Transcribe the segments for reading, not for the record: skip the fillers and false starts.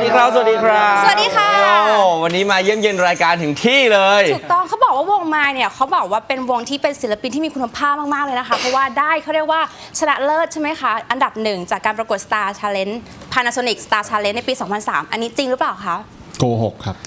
ครับสวัสดีครับสวัสดีค่ะวันนี้มาเยี่ยมเยียนรายการถึงที่เลยถูกต้องเขาบอกว่าวงมายเนี่ยเขาบอกว่าเป็นวงที่เป็นศิลปินที่มีคุณภาพมากๆเลยนะคะเพราะว่าได้เขาเรียกว่าชนะเลิศใช่ไหมคะอันดับหนึ่งจากการประกวด Star Challenge Panasonic Star Challenge ในปี 2003 อันนี้จริงหรือเปล่าคะโกหกครับ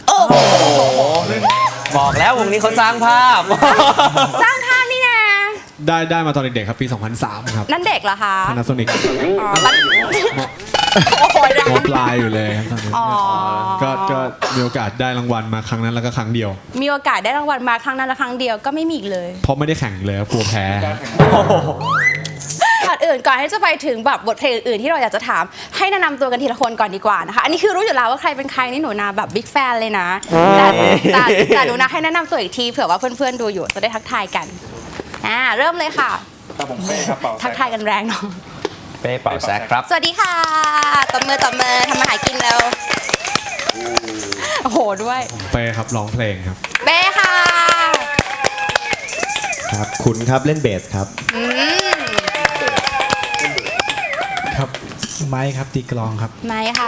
บอกแล้ววงนี้เขาสร้างภาพสร้างภาพนี่นะได้มาตอนเด็กๆครับปี 2003 ครับนั่นเด็กเหรอคะ Panasonic อ๋อโอ้โหนะมปลายอยู่เลยครับตอนนั้นอ๋อก็มีโอกาสได้รางวัลมาครั้งนั้นแล้วก็ครั้งเดียวมีโอกาสได้รางวัลมาครั้งนั้นและครั้งเดียวก็ไม่มีอีกเลยเพราะไม่ได้แข่งเลยครับกลัวแพ้ก่อนที่จะไปถึงแบบบทเพลงอื่นๆที่เราอยากจะถามให้แนะนำตัวกันทีละคนก่อนดีกว่านะคะอันนี้คือรู้อยู่แล้วว่าใครเป็นใครนี่หนูนาแบบบิ๊กแฟนเลยนะแต่หนูนาให้แนะนำตัวอีกทีเผื่อว่าเพื่อนๆดูอยู่จะได้ทักทายกันเริ่มเลยค่ะครับผมเป้ครับเป่าทักทายกันแรงเนาะเป้เป่าแซกครับสวัสดีค่ะตบมือทำมาหากินแล้วโอ้โหด้วยเป้ครับร้องเพลงครับเบ้ค่ะครับคุณครับเล่นเบสครับครับไม้ครับตีกลองครับไม่ค่ะ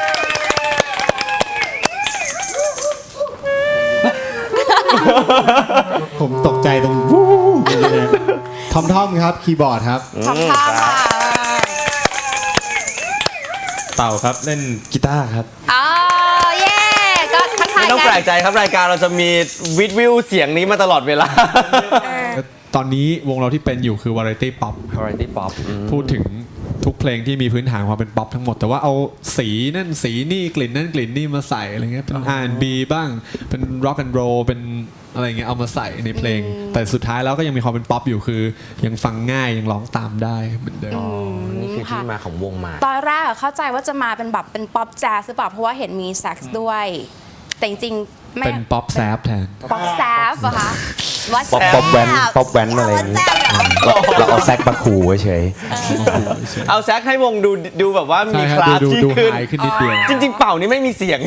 ผมตกใจตรงวู้เลยทอมครับคีย์บอร์ดครับขอบคุณค่ะเต่าครับเล่นกีตาร์ครับอ๋อเย่ก็ทักทายไม่ต้องกัแปลกใจครับรายการเราจะมีวิวเสียงนี้มาตลอดเวลาตอนนี้วงเราที่เป็นอยู่คือ Variety Pop ครับ Variety Pop พูดถึงทุกเพลงที่มีพื้นฐานความเป็นป๊อปทั้งหมด แต่ว่าเอาสีนั่นสีนี่กลิ่นนั่นกลิ่นนี่มาใส่อะไรเงี้ยเป็น R&B บ้างเป็น Rock and Roll เป็นอะไรเงี้ยเอามาใส่ในเพลง แต่สุดท้ายแล้วก็ยังมีความเป็นป๊อปอยู่คือ ยังฟังง่ายยังร้องตามได้เหมือนเดิมนี่คือที่มาของวงมาตอนแรกอะเข้าใจว่าจะมาเป็นแบบเป็นป๊อปแจ๊สหรือเปล่าเพราะว่าเห็นมีแซ็กซ์ด้วย แต่จริงๆไม่เป็นป๊อปแซฟแทนป๊อปแซฟเหรอคะว่าป๊อปแซฟป๊อปแว้นป๊อปแว้นอะไรอย่างงี้แซฟเหรอเราเอาแซกมาขู่เฉยเอาแซกให้วงดูแบบว่ามีใช่คครับ ลาสดูที่ดูขึ้นไฮขึ้นนิดเดียวจริง ๆ เป่านี่ไม่มีเสียง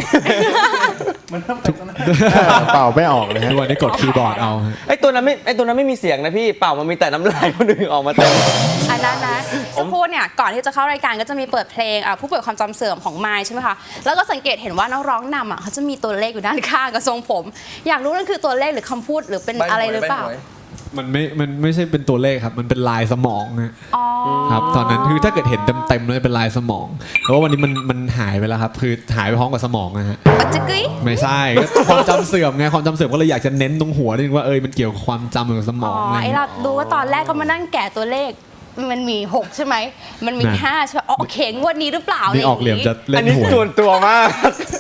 เป่าไม่ออกเลยฮะทุกวันนี้กดคีย์บอร์ดเอาฮะไอตัวนั้นไม่มีเสียงนะพี่เป่ามันมีแต่น้ำลายคนอื่นออกมาเต็มอันนั้นนะจะพูดเนี่ยก่อนที่จะเข้ารายการก็จะมีเปิดเพลงผู้ป่วยความจำเสื่อมของไมค์ใช่ไหมคะแล้วก็สังเกตเห็นว่านักร้องนำเขาจะมีตัวเลขอยู่ด้านข้างกับทรงผม อยากรู้นั่นคือตัวเลขหรือคำพูดหรือเป็นอะไรหรือเปล่ามันไม่ใช่เป็นตัวเลขครับ มันเป็นลายสมองฮะอ๋อครับตอนนั้นคือถ้าเกิดเห็นเต็มๆเลยเป็นลายสมองแต่ว่าวันนี้มันหายไปแล้วครับ คือหายไปพร้อมกับสมองนะฮะปัจจิกึยไม่ใช่ก็ความจำเสื่อมไงความจำเสื่อมก็เลยอยากจะเน้นตรงหัวนิดนึงว่ามันเกี่ยวกับความจำกับสมอ๋อองอะไรไอเราดูว่าตอนแรกก็มานั่งแกะตัวเลขมันมี6ใช่ไหมมันมี5ใช่ไหมโอเคงวดนี้หรือเปล่านี่ออกเหลี่ยมจะเล่อันนนี้หัวส่วนตัวมาก